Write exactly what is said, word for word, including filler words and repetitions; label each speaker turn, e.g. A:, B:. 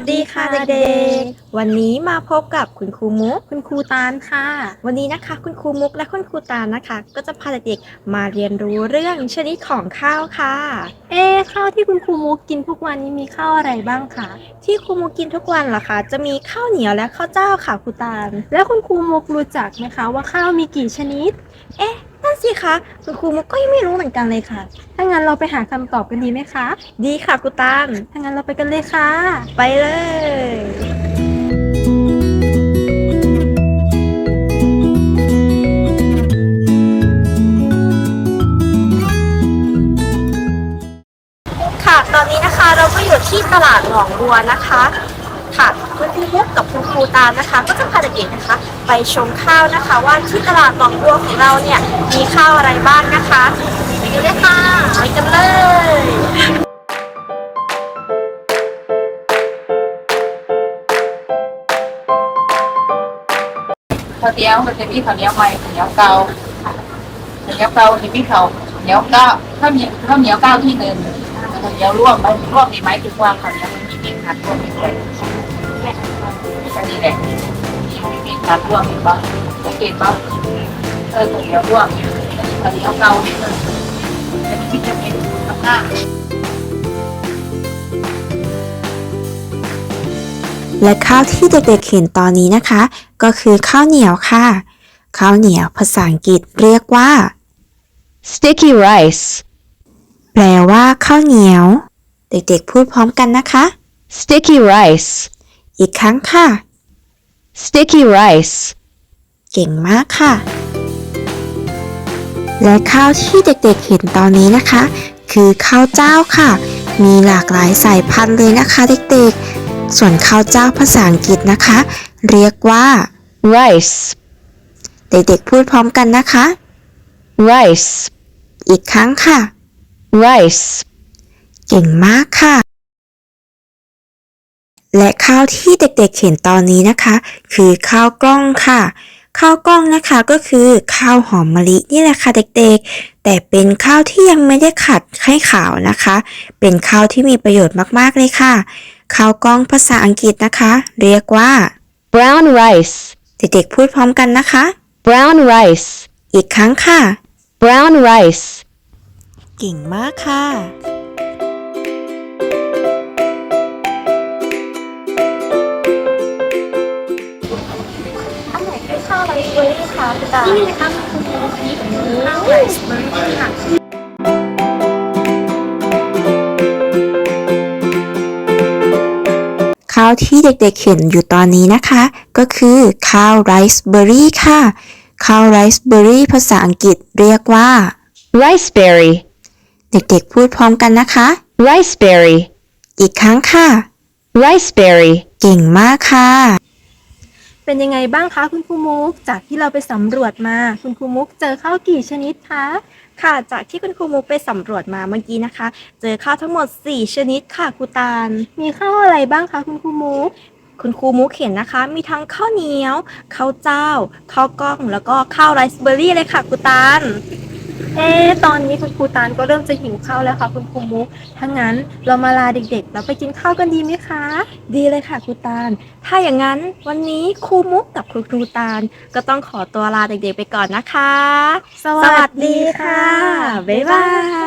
A: สดีค่ะเด็กๆ วันนี้มาพบกับคุณครูมุก
B: คุณครูตาลค่ะ
A: วันนี้นะคะคุณครูมุกและคุณครูตาลนะคะ ก็จะพาเด็กๆมาเรียนรู้เรื่องชนิดของข้าวค่ะ
B: เอ๊ข้าวที่คุณครูมุกกินทุกวันนี้มีข้าวอะไรบ้างคะ
A: ที่ครูมุกกินทุกวันเหรอคะจะมีข้าวเหนียวและข้าวเจ้าค่ะครูตาล
B: แล้วคุณครูมุกรู้จักไหมคะว่าข้าวมีกี่ชนิด
A: เอ๊ะนั่นสิคะคุณครูมุกก็ยังไม่รู้เหมือนกันเลยค่ะ
B: ถ้างั้นเราไปหาคำตอบกันดีไหมคะ
A: ดีค่ะครูตาล
B: ถ้างั้นเราไปกันเลยค่ะ
A: ไปเลย ค่ะ ตอนนี้นะคะเราก็อยู่ที่ตลาดหนองบัวนะคะ ค่ะคุณครูมุกกับคุณครูตาลนะคะ ก็จะพาเด็กๆนะคะ ไปชมข้าวนะคะ ว่าที่ตลาดหนองบัวของเราเนี่ยมีข้าวอะไรบ้างนะคะไปกันเลยค่ะไปกันเลย
C: ข้าวเหนียวมันจะมีข้าวเหนียวใหม่ข้าวเหนียวเก่าข้าวเหนียวเก่าจะมีข้าวเหนียวเก้าข้าวเหนียวข้าวเหนียวเก้าที่หนึ่งข้าวเหนียวร่วมมันร่วมมีไหมคือว่าข้าวเหนียวมันมีมีขัดร่วมมีด้วยแค่นี้แหละมีมีขัดร่วมมีบ้างสังเกตบ้างเออข้าวเหนียวร่วมข้าวเหนียวเก่าที่หนึ่งจะมีวิตามินทำหน้า
D: และข้าวที่เด็กๆเห็นตอนนี้นะคะ ก็คือข้าวเหนียวค่ะ ข้าวเหนียวภาษาอังกฤษเรียกว่า sticky rice แปลว่าข้าวเหนียว เด็กๆพูดพร้อมกันนะคะ sticky rice อีกครั้งค่ะ sticky rice เก่งมากค่ะ และข้าวที่เด็กๆเห็นตอนนี้นะคะ คือข้าวเจ้าค่ะ มีหลากหลายสายพันธุ์เลยนะคะเด็กๆ ส่วนข้าวเจ้าภาษาอังกฤษนะคะ เรียกว่า rice เด็กๆพูดพร้อมกันนะคะ rice อีกครั้งค่ะ rice เก่งมากค่ะ และข้าวที่เด็กๆเห็นตอนนี้นะคะ คือข้าวกล้องค่ะ ข้าวกล้องนะคะก็คือข้าวหอมมะลินี่แหละค่ะเด็กๆ แต่เป็นข้าวที่ยังไม่ได้ขัดให้ขาวนะคะ เป็นข้าวที่มีประโยชน์มากๆเลยค่ะ ข้าวกล้องภาษาอังกฤษนะคะ เรียกว่า brown rice เด็กๆพูดพร้อมกันนะคะ brown rice อีกครั้งค่ะ brown rice เก่งมากค่ะ
A: อันไหนคือข้าวไรซ์เบอร์รี่คะคุณตาล
B: นี่นะคะคุณครูมุกนี่ข้าวไรซ์เบอร์รี่ค่ะ
D: ข้าวที่เด็กๆเห็นอยู่ตอนนี้นะคะ ก็คือข้าวไรซ์เบอร์รี่ค่ะ ข้าวไรซ์เบอร์รี่ภาษาอังกฤษเรียกว่า riceberry เด็กๆพูดพร้อมกันนะคะ riceberry อีกครั้งค่ะ riceberry เก่งมากค่ะ
B: เป็นยังไงบ้างคะคุณครูมุก จากที่เราไปสำรวจมา คุณครูมุกเจอข้าวกี่ชนิดคะ
A: ค่ะจากที่คุณครูมุกไปสำรวจมาเมื่อกี้นะคะ เจอข้าวทั้งหมดสี่ชนิดค่ะครูตาล
B: มีข้าวอะไรบ้างคะคุณครูมุก
A: คุณครูมุกเห็นนะคะ มีทั้งข้าวเหนียว ข้าวเจ้า ข้าวกล้อง แล้วก็ข้าวไรซ์เบอร์รี่เลยค่ะครูตาล
B: เอ๊ะตอนนี้คุณครูตาลก็เริ่มจะหิวข้าวแล้วค่ะคุณครูมุก ถ้างั้นเรามาลาเด็กๆแล้วไปกินข้าวกันดีไหมคะ
A: ดีเลยค่ะครูตาล ถ้าอย่างนั้นวันนี้ครูมุกกับครูครูตาล ก็ต้องขอตัวลาเด็กๆไปก่อนนะคะ
B: สวัสดีค่ะ
A: บ๊ายบาย